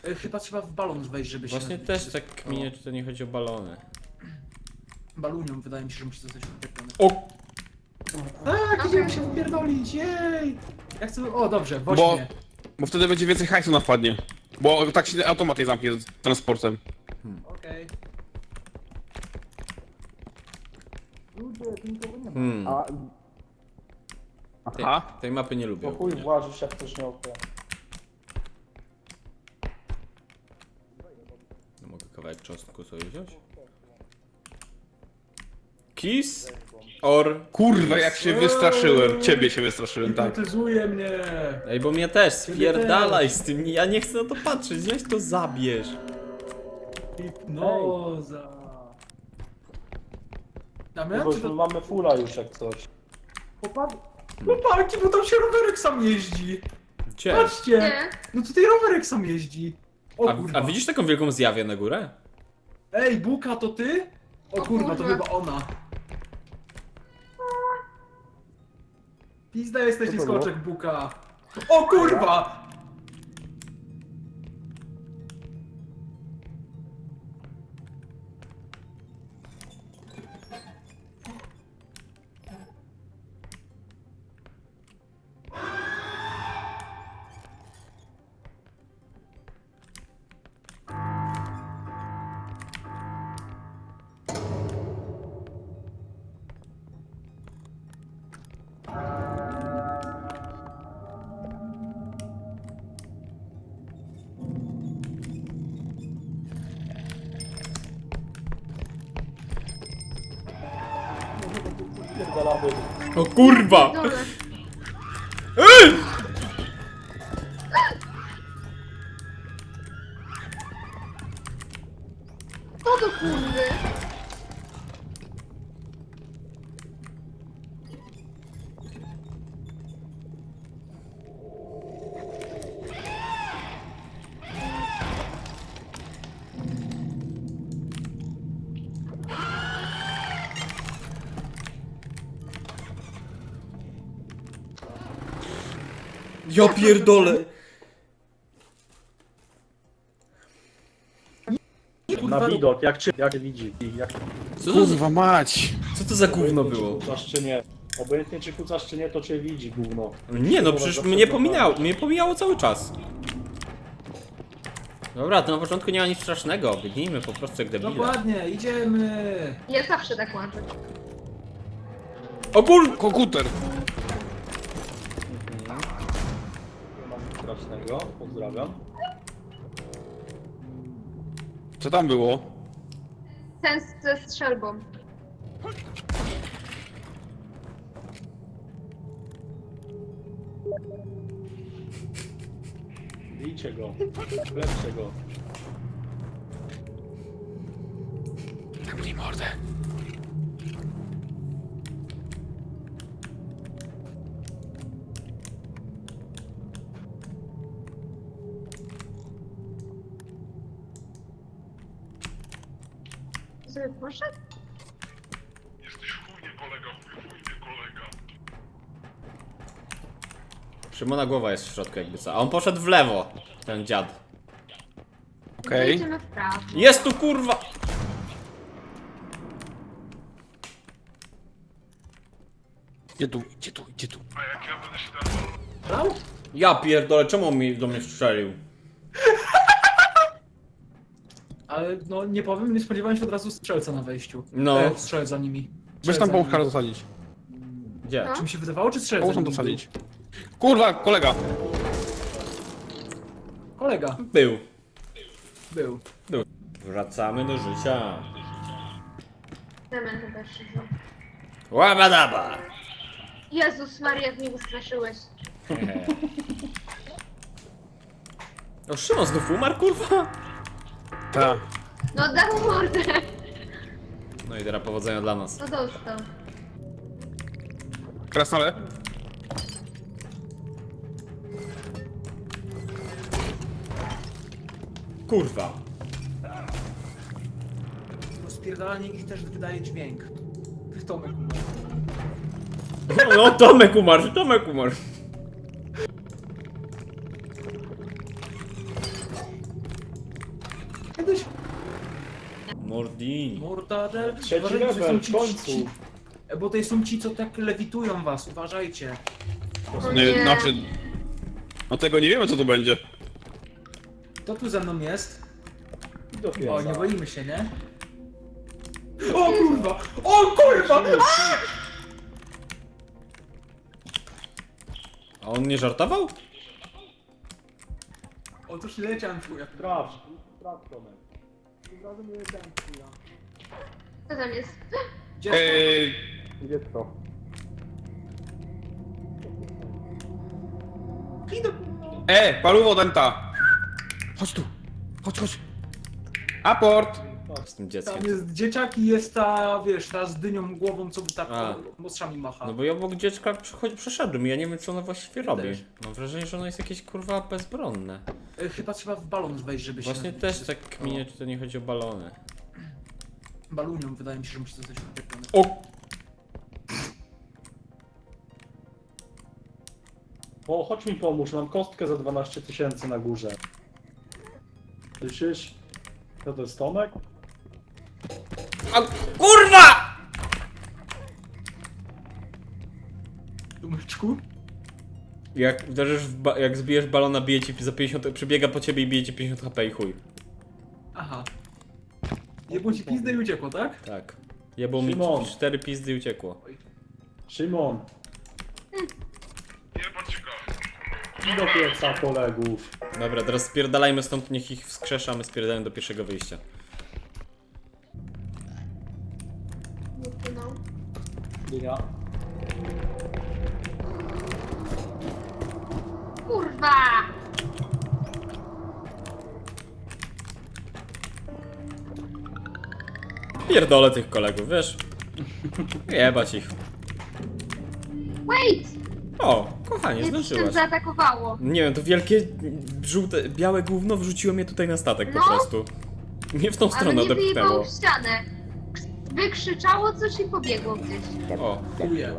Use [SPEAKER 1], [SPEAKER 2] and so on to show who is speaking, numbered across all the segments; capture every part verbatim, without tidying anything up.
[SPEAKER 1] Y, Chyba trzeba w balon wejść, żeby się...
[SPEAKER 2] Właśnie też tak kminię, czy to nie chodzi o balony.
[SPEAKER 1] Balunią wydaje mi się, że musi zostać wypierdolony.
[SPEAKER 2] O!
[SPEAKER 1] Tak, idziemy się wypierdolić, jej! Ja chcę... O, dobrze, woź
[SPEAKER 3] Bo-
[SPEAKER 1] mnie.
[SPEAKER 3] Bo wtedy będzie więcej hajsu na wpadnie. Bo tak się automat nie zamknie z transportem.
[SPEAKER 1] Okej. Ludzie, tu nikogo nie ma.
[SPEAKER 2] Hmm.
[SPEAKER 4] A
[SPEAKER 2] Tej,
[SPEAKER 3] Aha.
[SPEAKER 2] tej mapy nie lubię.
[SPEAKER 4] to chuj włażysz jak coś miał ten.
[SPEAKER 2] No mogę kawałek czosnku sobie wziąć? Kiss or...
[SPEAKER 3] Kurwa, jak się wystraszyłem. Ciebie się wystraszyłem, tak.
[SPEAKER 1] Hipnotyzuje mnie!
[SPEAKER 2] Ej, bo mnie też, spierdalaj z tym, ja nie chcę na to patrzeć, weź to zabierz.
[SPEAKER 1] Hipnoza. Damian,
[SPEAKER 4] Bo
[SPEAKER 1] czy to...
[SPEAKER 4] mamy fula już jak coś.
[SPEAKER 1] Chłopaki, chłopaki, bo tam się rowerek sam jeździ.
[SPEAKER 2] Gdzie?
[SPEAKER 1] Patrzcie!
[SPEAKER 5] Nie.
[SPEAKER 1] No tutaj rowerek sam jeździ. O
[SPEAKER 2] A,
[SPEAKER 1] kurwa.
[SPEAKER 2] a widzisz taką wielką zjawię na górę?
[SPEAKER 1] Ej, Buka, to ty? O
[SPEAKER 5] O
[SPEAKER 1] kurwa, to
[SPEAKER 5] kurwa.
[SPEAKER 1] chyba ona. Pizda jesteś
[SPEAKER 4] Co to było?
[SPEAKER 1] skoczek, Buka. O kurwa!
[SPEAKER 4] Pierdalamy.
[SPEAKER 2] O kurwa!
[SPEAKER 5] Dole. Co do kurwy?
[SPEAKER 2] Ja pierdolę!
[SPEAKER 4] Na widok, jak czy jak widzi. Jak
[SPEAKER 2] Co to, za-
[SPEAKER 3] Kurwa mać.
[SPEAKER 2] co to za gówno
[SPEAKER 4] obojętnie,
[SPEAKER 2] było?
[SPEAKER 4] Czy kucasz czy nie. Obojętnie czy kucasz czy nie, to cię widzi gówno.
[SPEAKER 2] Nie no, przecież mnie pominęło, mnie pomijało cały czas. Dobra, to na początku nie ma nic strasznego, biegnijmy po prostu jak debile.
[SPEAKER 1] Dokładnie, idziemy.
[SPEAKER 5] Ja zawsze tak łażę.
[SPEAKER 2] O kur...
[SPEAKER 3] Komputer.
[SPEAKER 4] Nie ma nic strasznego, pozdrawiam.
[SPEAKER 3] Co tam było?
[SPEAKER 5] Sens ze strzelbą.
[SPEAKER 4] Bijcie go, lepsze go.
[SPEAKER 3] Zamknij mordę.
[SPEAKER 5] Sobie poszedł?
[SPEAKER 6] Jesteś chujnie kolega, chuj, chujnie kolega.
[SPEAKER 2] Szymona głowa jest w środku jakby co, a on poszedł w lewo, ten dziad.
[SPEAKER 3] Okej.
[SPEAKER 5] Idziemy w prawo.
[SPEAKER 2] Jest tu kurwa!
[SPEAKER 3] Gdzie tu, gdzie tu, gdzie tu?
[SPEAKER 6] A jak ja będę się tam...
[SPEAKER 1] Brał?
[SPEAKER 2] Ja pierdolę, czemu on mi do mnie strzelił?
[SPEAKER 1] Ale no nie powiem, nie spodziewałem się od razu strzelca na wejściu.
[SPEAKER 2] No.
[SPEAKER 1] E, strzelec za nimi.
[SPEAKER 3] Weź
[SPEAKER 1] Strzelec
[SPEAKER 3] tam
[SPEAKER 1] za
[SPEAKER 3] połówka
[SPEAKER 1] nimi.
[SPEAKER 3] dosadzić.
[SPEAKER 2] Gdzie?
[SPEAKER 5] No.
[SPEAKER 1] Czy mi się wydawało, czy strzelec
[SPEAKER 3] Połóż
[SPEAKER 1] za
[SPEAKER 3] tam
[SPEAKER 1] nimi
[SPEAKER 3] dosadzić. Kurwa, kolega.
[SPEAKER 1] był? Kolega.
[SPEAKER 2] Był.
[SPEAKER 1] Był.
[SPEAKER 2] Wracamy do życia.
[SPEAKER 5] Damian chyba się wziął.
[SPEAKER 2] Łabadaba!
[SPEAKER 5] Jezus Maria, jak mnie wystraszyłeś.
[SPEAKER 2] O, Szymon znów umarł, kurwa?
[SPEAKER 3] Tak.
[SPEAKER 5] No dał mu mordę.
[SPEAKER 2] No i teraz powodzenia dla nas.
[SPEAKER 5] No dostał.
[SPEAKER 3] Krasnale.
[SPEAKER 2] Kurwa.
[SPEAKER 1] Rozpierdalanie ich też wydaje dźwięk. Tomek.
[SPEAKER 2] No, Tomek umarł, Tomek umarł.
[SPEAKER 1] Kiedyś
[SPEAKER 2] Mordin.
[SPEAKER 1] mortadel.
[SPEAKER 4] Trzeci
[SPEAKER 1] Uważajcie, to
[SPEAKER 4] level,
[SPEAKER 1] są ci-
[SPEAKER 4] w końcu.
[SPEAKER 1] ci- Bo to są ci, co tak lewitują was, uważajcie.
[SPEAKER 5] O
[SPEAKER 3] Nie,
[SPEAKER 5] nie.
[SPEAKER 3] znaczy... No tego nie wiemy co to będzie.
[SPEAKER 1] Kto tu ze mną jest?
[SPEAKER 4] Do
[SPEAKER 1] O, nie
[SPEAKER 4] pieca.
[SPEAKER 1] boimy się, nie? O kurwa! O kurwa!
[SPEAKER 2] A on nie żartował?
[SPEAKER 1] Otóż nie leciałem chuja.
[SPEAKER 4] Sprawdź, sprawdź Tomek.
[SPEAKER 5] Co tam jest?
[SPEAKER 1] Gdzie
[SPEAKER 3] Eee...
[SPEAKER 4] Gdzie to?
[SPEAKER 1] Idę.
[SPEAKER 3] E, paluwo denta! Chodź tu! Chodź, chodź! Aport!
[SPEAKER 2] Z tym
[SPEAKER 1] Tam
[SPEAKER 2] dzieckiem.
[SPEAKER 1] jest dzieciak i jest ta, wiesz, ta z dynią głową, co tak
[SPEAKER 2] A.
[SPEAKER 1] mostrzami macha.
[SPEAKER 2] No bo ja obok dziecka przechodź, przeszedłem i ja nie wiem co ono właściwie robi.
[SPEAKER 1] też.
[SPEAKER 2] Mam wrażenie, że ono jest jakieś kurwa bezbronne.
[SPEAKER 1] E, Chyba trzeba w balon wejść, żeby się...
[SPEAKER 2] Właśnie też tak kminie, czy to nie chodzi o balony.
[SPEAKER 1] Balunią wydaje mi się, że musi zostać upiekłony.
[SPEAKER 2] O!
[SPEAKER 4] O, chodź mi pomóż, mam kostkę za dwanaście tysięcy na górze. Słyszysz? To to jest Tomek?
[SPEAKER 2] A, kurwa!
[SPEAKER 1] Dumeczku?
[SPEAKER 2] Jak uderzysz w ba- jak zbijesz balona, bije ci za pięćdziesiąt, przebiega po ciebie i bije ci pięćdziesiąt H P i chuj.
[SPEAKER 1] Aha. Jebło ci pizdę i uciekło, tak?
[SPEAKER 2] Tak. Jebło mi
[SPEAKER 4] Szymon.
[SPEAKER 2] cztery pizdy i uciekło.
[SPEAKER 4] Szymon,
[SPEAKER 6] Jebać go.
[SPEAKER 4] idź do pieca kolegów.
[SPEAKER 2] Dobra, teraz spierdalajmy stąd, niech ich wskrzesza, a my spierdalamy do pierwszego wyjścia.
[SPEAKER 5] No.
[SPEAKER 4] Dynia.
[SPEAKER 5] Kurwa!
[SPEAKER 2] Pierdolę tych kolegów, wiesz? Jebać ich.
[SPEAKER 5] Wait!
[SPEAKER 2] O, kochanie,
[SPEAKER 5] Mnie tym
[SPEAKER 2] zdążyłaś.
[SPEAKER 5] zaatakowało.
[SPEAKER 2] Nie wiem, to wielkie, żółte, białe gówno wrzuciło mnie tutaj na statek po
[SPEAKER 5] No.
[SPEAKER 2] prostu. Mnie w tą
[SPEAKER 5] Ale
[SPEAKER 2] stronę
[SPEAKER 5] mnie wyjebało
[SPEAKER 2] odepchnęło.
[SPEAKER 5] w ścianę. Wykrzyczało coś i pobiegło gdzieś.
[SPEAKER 2] O,
[SPEAKER 1] Chuje.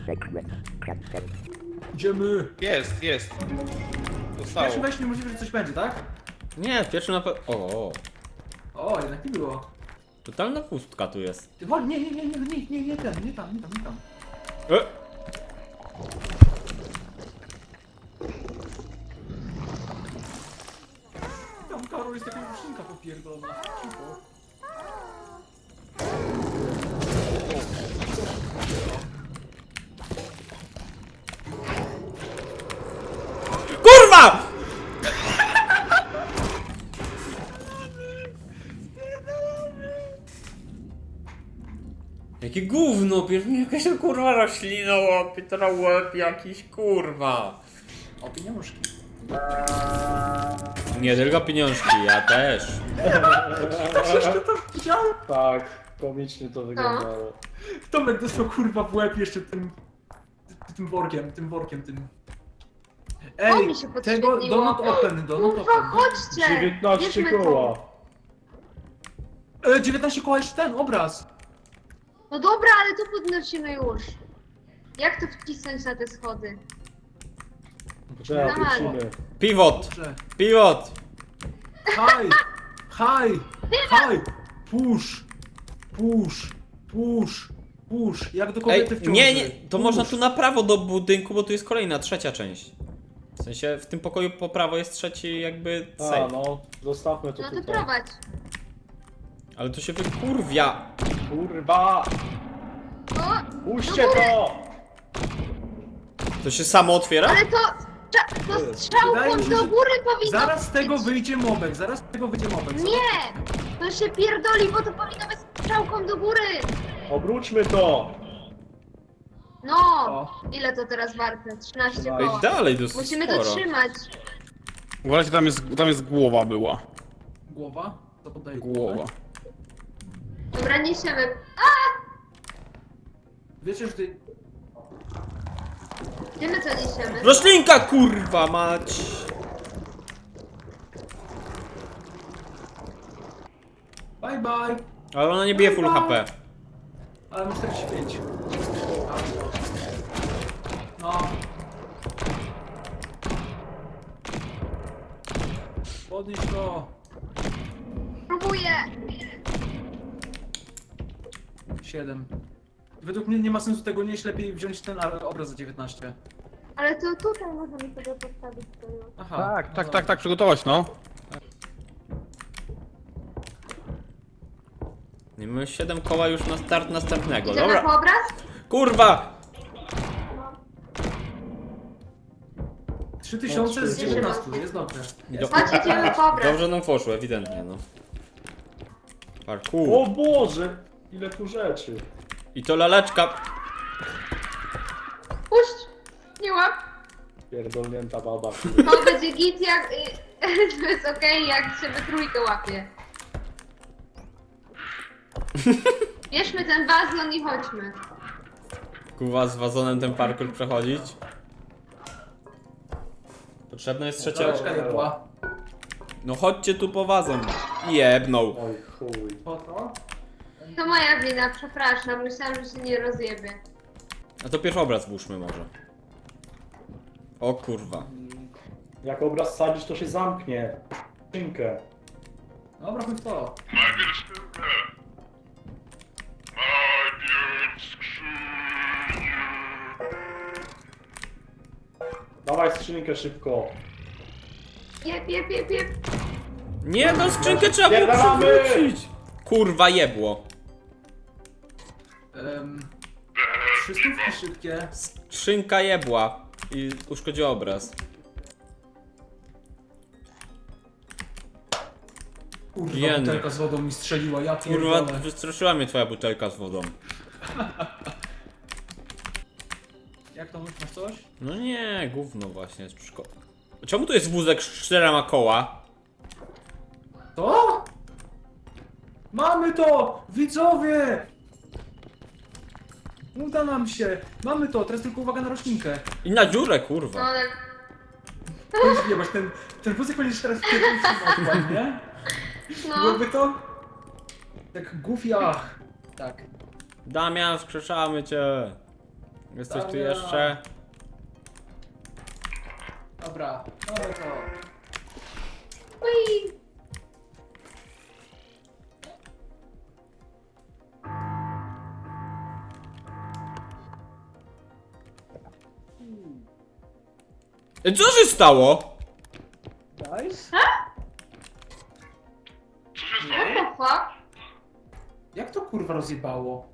[SPEAKER 1] Idziemy.
[SPEAKER 3] Jest, jest. Zostało.
[SPEAKER 1] Pierwszy wejść niemożliwe, że coś będzie, tak?
[SPEAKER 2] nie, pierwszy na pewno... O,
[SPEAKER 1] O, jednak nie było.
[SPEAKER 2] totalna pustka tu jest.
[SPEAKER 1] Ty chodź, nie, nie, nie, nie, nie, nie, nie ten, nie tam, nie tam, nie tam.
[SPEAKER 2] E!
[SPEAKER 1] Tam Karol jest taka ruszynka popierdolona. Cicho.
[SPEAKER 2] KURWA! Jakie gówno, bierz mi jakaś kurwa roślina łapie, teraz łeb jakiś kurwa.
[SPEAKER 1] O, pieniążki.
[SPEAKER 2] Nie tylko pieniążki, ja też.
[SPEAKER 1] Widziałem?
[SPEAKER 4] Tak, komicznie to wyglądało.
[SPEAKER 1] Tomek dostał kurwa w łeb jeszcze tym... tym workiem, tym workiem, tym...
[SPEAKER 5] O,
[SPEAKER 1] Ej,
[SPEAKER 5] mi się
[SPEAKER 1] tego,
[SPEAKER 5] podświetliło.
[SPEAKER 1] donut open, donut
[SPEAKER 5] Kurwa,
[SPEAKER 1] open.
[SPEAKER 5] chodźcie!
[SPEAKER 4] dziewiętnaście
[SPEAKER 5] Bierzmy to.
[SPEAKER 4] koła.
[SPEAKER 1] E, dziewiętnaście koła jeszcze ten obraz.
[SPEAKER 5] No dobra, ale to podnosimy już. Jak to wcisnąć na te schody?
[SPEAKER 4] Trzeba,
[SPEAKER 5] Dawaj.
[SPEAKER 4] wrócimy.
[SPEAKER 2] Pivot,
[SPEAKER 1] Dobrze.
[SPEAKER 2] pivot.
[SPEAKER 1] Haj! Haj! Haj! Push! Push! Push! Push! Jak do
[SPEAKER 2] Ej,
[SPEAKER 1] kobiety w ciąży.
[SPEAKER 2] nie, nie, to
[SPEAKER 1] Push.
[SPEAKER 2] można tu na prawo do budynku, bo tu jest kolejna, trzecia część. W sensie, w tym pokoju po prawo jest trzeci jakby
[SPEAKER 4] A,
[SPEAKER 2] safe.
[SPEAKER 4] no, zostawmy to
[SPEAKER 5] No to
[SPEAKER 4] tutaj.
[SPEAKER 5] prowadź.
[SPEAKER 2] Ale to się wykurwia.
[SPEAKER 4] Kurwa!
[SPEAKER 5] O,
[SPEAKER 4] Puśćcie
[SPEAKER 5] do góry.
[SPEAKER 4] to!
[SPEAKER 2] To się samo otwiera?
[SPEAKER 5] ale to... cza- To
[SPEAKER 1] Wydaje
[SPEAKER 5] strzałką
[SPEAKER 1] mi się,
[SPEAKER 5] do
[SPEAKER 1] że
[SPEAKER 5] góry powinno
[SPEAKER 1] Zaraz z tego
[SPEAKER 5] być.
[SPEAKER 1] wyjdzie mobek, zaraz z tego wyjdzie mobek.
[SPEAKER 5] Nie! To się pierdoli, bo to powinno być strzałką do góry!
[SPEAKER 4] Obróćmy to!
[SPEAKER 5] No!
[SPEAKER 1] O.
[SPEAKER 5] Ile to teraz warte? trzynaście
[SPEAKER 4] Ej,
[SPEAKER 5] koła.
[SPEAKER 2] dalej dosyć
[SPEAKER 5] Musimy
[SPEAKER 2] sporo.
[SPEAKER 5] to trzymać.
[SPEAKER 3] Uważajcie, tam jest, tam jest głowa była.
[SPEAKER 1] Głowa? To poddaję
[SPEAKER 3] Głowa.
[SPEAKER 5] Dobra, niesiemy.
[SPEAKER 1] Wiecie, że ty...
[SPEAKER 5] Gdzie my to niesiemy?
[SPEAKER 2] Roślinka, kurwa mać!
[SPEAKER 1] Bye bye!
[SPEAKER 2] Ale ona nie bije full H P.
[SPEAKER 1] Ale masz czterdzieści pięć. No. Podnieś to.
[SPEAKER 5] Dziękuję!
[SPEAKER 1] siedem. Według mnie nie ma sensu tego nieść, lepiej wziąć ten ar- obraz za dziewiętnaście.
[SPEAKER 5] Ale to tutaj możemy sobie postawić to już.
[SPEAKER 1] Aha.
[SPEAKER 3] Tak,
[SPEAKER 1] no
[SPEAKER 3] tak,
[SPEAKER 1] dobra.
[SPEAKER 3] tak, tak, przygotować, no.
[SPEAKER 2] Nie mamy siedem koła już na start następnego.
[SPEAKER 5] Idziemy
[SPEAKER 2] Dobra.
[SPEAKER 5] po obraz?
[SPEAKER 2] Kurwa!
[SPEAKER 1] trzy tysiące z
[SPEAKER 4] No,
[SPEAKER 1] dziewiętnastu, jest dobrze.
[SPEAKER 2] Do...
[SPEAKER 5] Chodź, idziemy po obraz.
[SPEAKER 2] Dobrze nam poszło, ewidentnie, no. Parkour.
[SPEAKER 4] O Boże! Ile tu rzeczy.
[SPEAKER 2] I to laleczka.
[SPEAKER 5] Puść! Nie łap!
[SPEAKER 4] Pierdolnięta baba.
[SPEAKER 5] To będzie git jak... To jest okej, jak się we trójkę łapie. Bierzmy ten wazon i chodźmy.
[SPEAKER 2] Kuwa z wazonem ten parkour przechodzić. Potrzebna jest trzecia...
[SPEAKER 1] Ciężka nie była.
[SPEAKER 2] No chodźcie tu po wazon. Jebnął.
[SPEAKER 4] Oj chuj.
[SPEAKER 1] Po to?
[SPEAKER 5] To moja wina, przepraszam. Myślałam, że się nie rozjebie.
[SPEAKER 2] A to pierwszy obraz włóżmy może. O kurwa.
[SPEAKER 4] Jak obraz sadzisz, to się zamknie. Skrzynkę.
[SPEAKER 1] Dobra, chodź w to.
[SPEAKER 6] Najpierw skrzynkę. Najpierw skrzynię.
[SPEAKER 4] Dawaj skrzynkę szybko.
[SPEAKER 5] Jep, jep, jep, jep.
[SPEAKER 2] Nie, no skrzynkę trzeba było
[SPEAKER 4] Spierdalamy!
[SPEAKER 2] przewrócić. Kurwa jebło.
[SPEAKER 1] Um, trzy stówki szybkie.
[SPEAKER 2] Skrzynka jebła. I uszkodziła obraz.
[SPEAKER 1] Kurwa,
[SPEAKER 2] Jeny.
[SPEAKER 1] butelka z wodą mi strzeliła, ja
[SPEAKER 2] Kurwa,
[SPEAKER 1] pierdolę.
[SPEAKER 2] wystraszyła mnie twoja butelka z wodą.
[SPEAKER 1] Jak to, masz coś?
[SPEAKER 2] No nie, gówno właśnie jest szko... Czemu tu jest wózek z czterema koła?
[SPEAKER 1] To? Mamy to! Widzowie! Uda nam się! Mamy to, teraz tylko uwaga na roślinkę.
[SPEAKER 2] I na dziurę,
[SPEAKER 5] No
[SPEAKER 2] kurwa.
[SPEAKER 5] ale...
[SPEAKER 1] Nie, masz ten, ten wózek będziesz teraz wpierdolić, nie?
[SPEAKER 5] No.
[SPEAKER 1] Byłoby to? Tak goofy, ach. Tak.
[SPEAKER 2] Damian, wskrzeszamy cię. Jesteś tu
[SPEAKER 1] Damian.
[SPEAKER 2] jeszcze?
[SPEAKER 1] Dobra, mamy to.
[SPEAKER 5] Ui.
[SPEAKER 2] E, Co się stało?
[SPEAKER 1] Nice.
[SPEAKER 6] Co się
[SPEAKER 5] What
[SPEAKER 6] stało?
[SPEAKER 5] the fuck?
[SPEAKER 1] Jak to kurwa rozjebało?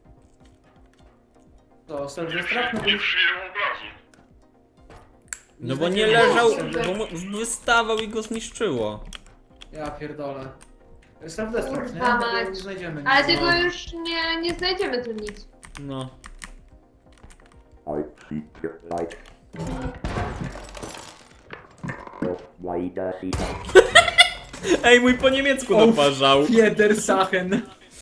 [SPEAKER 1] To Sylwestrach? No bo
[SPEAKER 6] Nie
[SPEAKER 1] już
[SPEAKER 6] przyjęło obrazu.
[SPEAKER 2] No bo nie
[SPEAKER 1] znajdziemy
[SPEAKER 2] leżał,
[SPEAKER 1] Sylwestra.
[SPEAKER 2] bo mu wystawał i go zniszczyło.
[SPEAKER 1] Ja pierdolę. Sylwestrach, nie?
[SPEAKER 5] Kurwa
[SPEAKER 1] No bo
[SPEAKER 5] mać.
[SPEAKER 1] nie znajdziemy.
[SPEAKER 5] Ale
[SPEAKER 1] nic.
[SPEAKER 5] tego już nie, nie znajdziemy tu nic.
[SPEAKER 2] No.
[SPEAKER 7] I see your light. Why does he
[SPEAKER 2] Ej, mój po niemiecku doparzał.
[SPEAKER 1] Fiedersachen.